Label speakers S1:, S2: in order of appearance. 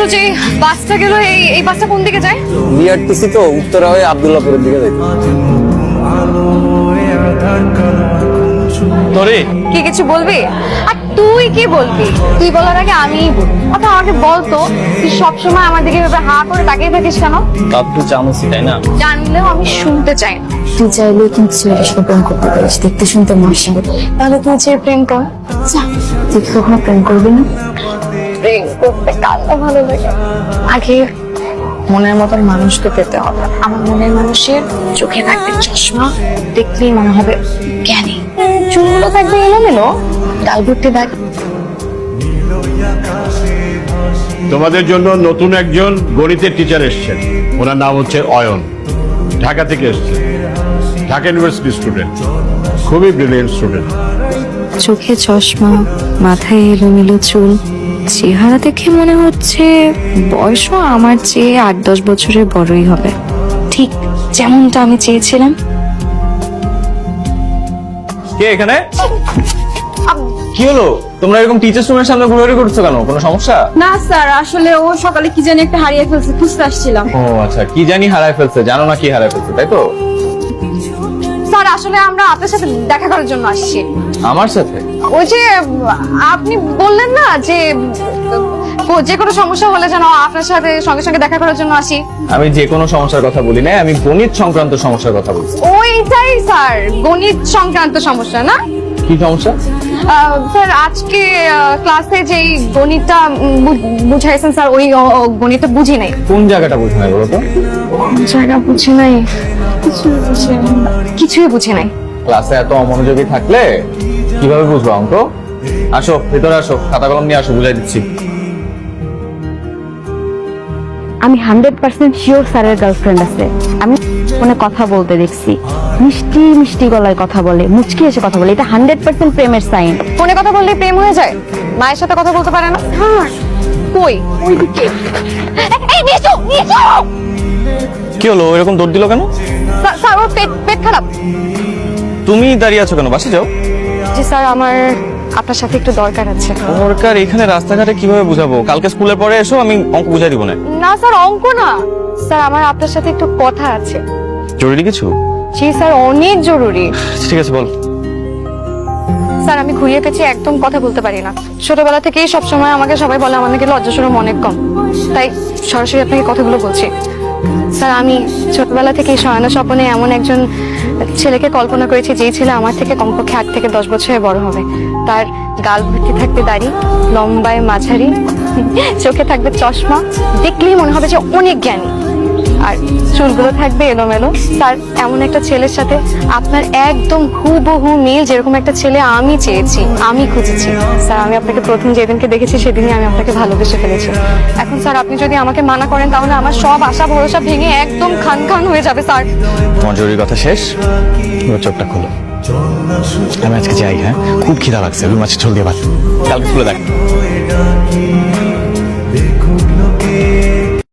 S1: যে বাসটা গেল, এই বাসটা কোন দিকে যায়?
S2: বিআরটিসি তো উত্তরা হয়ে আব্দুল্লাহপুরের দিকে যাইতো। তোরে
S1: কি কিছু বলবি? আর তুই কি বলবি? তুই বলার আগে আমিই বলবি। আচ্ছা আমাকে বলতো, তুই সবসময় আমার দিকে এভাবে হা করে তাকিয়ে থাকিস কেন?
S2: আপনি চামচি তাই না?
S1: জানলেও আমি শুনতে চাই না।
S3: তুই চাইলে কিন্তু ছেলেটার সাথে প্রেম করতে পারিস, দেখতে শুনতে মাসা।
S1: তাহলে তুই যে প্রেম কর।
S3: যা, তুই কি কখনো প্রেম করবি না?
S1: প্রেম করতে কারটা ভালো লাগে?
S3: আগে মনের মতন মানুষকে পেতে হবে। আমার মনের মানুষের চোখে থাকবে চশমা, দেখলেই মনে হবে জ্ঞানী। চুলগুলো থাকবে এলোমেলো, গাল ভর্তি দাগ।
S4: তোমাদের জন্য নতুন একজন গণিতের টিচার এসেছেন। ওনার নাম হচ্ছে অয়ন, ঢাকা থেকে এসেছেন। ঢাকা ইউনিভার্সিটি স্টুডেন্ট, খুবই ব্রিলিয়েন্ট স্টুডেন্ট।
S3: চোখে চশমা, মাথায় এলোমেলো চুল, চেহারা দেখে মনে হচ্ছে বয়সও আমার চেয়ে 8-10 বছরের বড়ই হবে। ঠিক যেমনটা আমি চেয়েছিলাম।
S2: কে এখানে? কি হলো, তোমরা এরকম টিচার্স রুমের সামনে ঘুরাঘুরি করছো কেন? কোনো সমস্যা?
S5: না স্যার, আসলে ও সকালে কি জানি একটা হারিয়ে ফেলছে, খুঁজতে আসছিলাম।
S2: ও আচ্ছা, কি জানি হারায় ফেলছে, জানো না কি হারায় ফেলছে, তাই তো?
S1: স্যার আসলে আমরা আপনার সাথে দেখা করার জন্য আসছি।
S2: আমার সাথে?
S1: ওই যে আপনি বললেন না যে যে কোনো সমস্যা হলে যেন আপনার সাথে সঙ্গে সঙ্গে দেখা করার জন্য আসি।
S2: আমি যে কোনো সমস্যার কথা বলি না, আমি গণিত সংক্রান্ত সমস্যার কথা বলছি।
S1: ওইটাই স্যার, গণিত সংক্রান্ত সমস্যা না?
S2: কি সমস্যা?
S1: স্যার আজকে ক্লাসে যেই গণিতটা বুঝাইছেন স্যার, ওই গণিতটা বুঝি নাই।
S2: কোন জায়গাটা বুঝে নাই বলো তো?
S1: জায়গা বুঝি নাই, কিছুই বুঝি নাই।
S2: ক্লাসে এত অমনোযোগী থাকলে কিভাবে বুঝবো অঙ্ক? আসো ভেতরে আসো, খাতা কলম নিয়ে আসো, বুঝাই দিচ্ছি।
S5: আমি 100% শিওর স্যারের গার্লফ্রেন্ড আছে। আমি ফোনে কথা বলতে দেখছি, মিষ্টি মিষ্টি গলায় কথা বলে, মুচকি এসে কথা বলে। এটা 100% প্রেমের সাইন।
S1: ফোনে কথা বললে প্রেম হয়ে যায়? মায়ের সাথে কথা বলতে পারে না? কই? ওইদিকে। এই নিচু নিচু।
S2: কি হলো, এরকম দৌড় দিল কেন?
S1: স্যার ওর পেট খারাপ।
S2: তুমি দাঁড়িয়ে আছো কেন? বাসে যাও।
S1: জি স্যার, আমার আপনার সাথে একটু দরকার আছে।
S2: দরকার? এখানে রাস্তাঘাটে কিভাবে বুঝাবো? কালকে স্কুলের পরে এসো, আমি অঙ্ক বুঝাই দিব না।
S1: না স্যার, অঙ্ক না স্যার, আমার আপনার সাথে একটু কথা আছে।
S2: জরুরি কিছু?
S1: জি স্যার, অনেক জরুরি।
S2: ঠিক আছে বল।
S1: স্যার আমি ঘুরিয়ে পেঁচিয়ে একদম কথা বলতে পারি না। ছোটবেলা থেকেই সবসময় আমাকে সবাই বলে আমার নাকি লজ্জা শরম অনেক কম, তাই সরাসরি আপনাকে কথাগুলো বলছি। স্যার আমি ছোটবেলা থেকেই শয়না স্বপ্নে এমন একজন ছেলেকে কল্পনা করেছি, যেই ছেলে আমার থেকে কমপক্ষে 8 থেকে 10 বছরের বড় হবে। তার গাল ভর্তি থাকবে দাড়ি, লম্বায় মাঝারি, চোখে থাকবে চশমা, দেখলেই মনে হবে যে অনেক জ্ঞানী, আর চুলগুলো থাকবে এলোমেলো। স্যার এমন একটা ছেলের সাথে আপনার একদম হুবহু মিল, যেরকম একটা ছেলে আমি চেয়েছি, আমি খুঁজেছি। স্যার আমি আপনাকে প্রথম যেদিনকে দেখেছি সেদিনই আমি আপনাকে ভালোবেসে ফেলেছি। এখন স্যার আপনি যদি আমাকে মানা করেন তাহলে আমার সব আশা ভরসা ভেঙে একদম খান খান হয়ে যাবে স্যার।
S2: তোমার জরুরি কথা শেষ, এবার চোখটা খোলো। আমি আজকে যাই, হ্যাঁ? খুব খিদা লাগছে, রুই মাছের ঝোল দিয়ে ভাত। কালকে স্কুলে দেখ।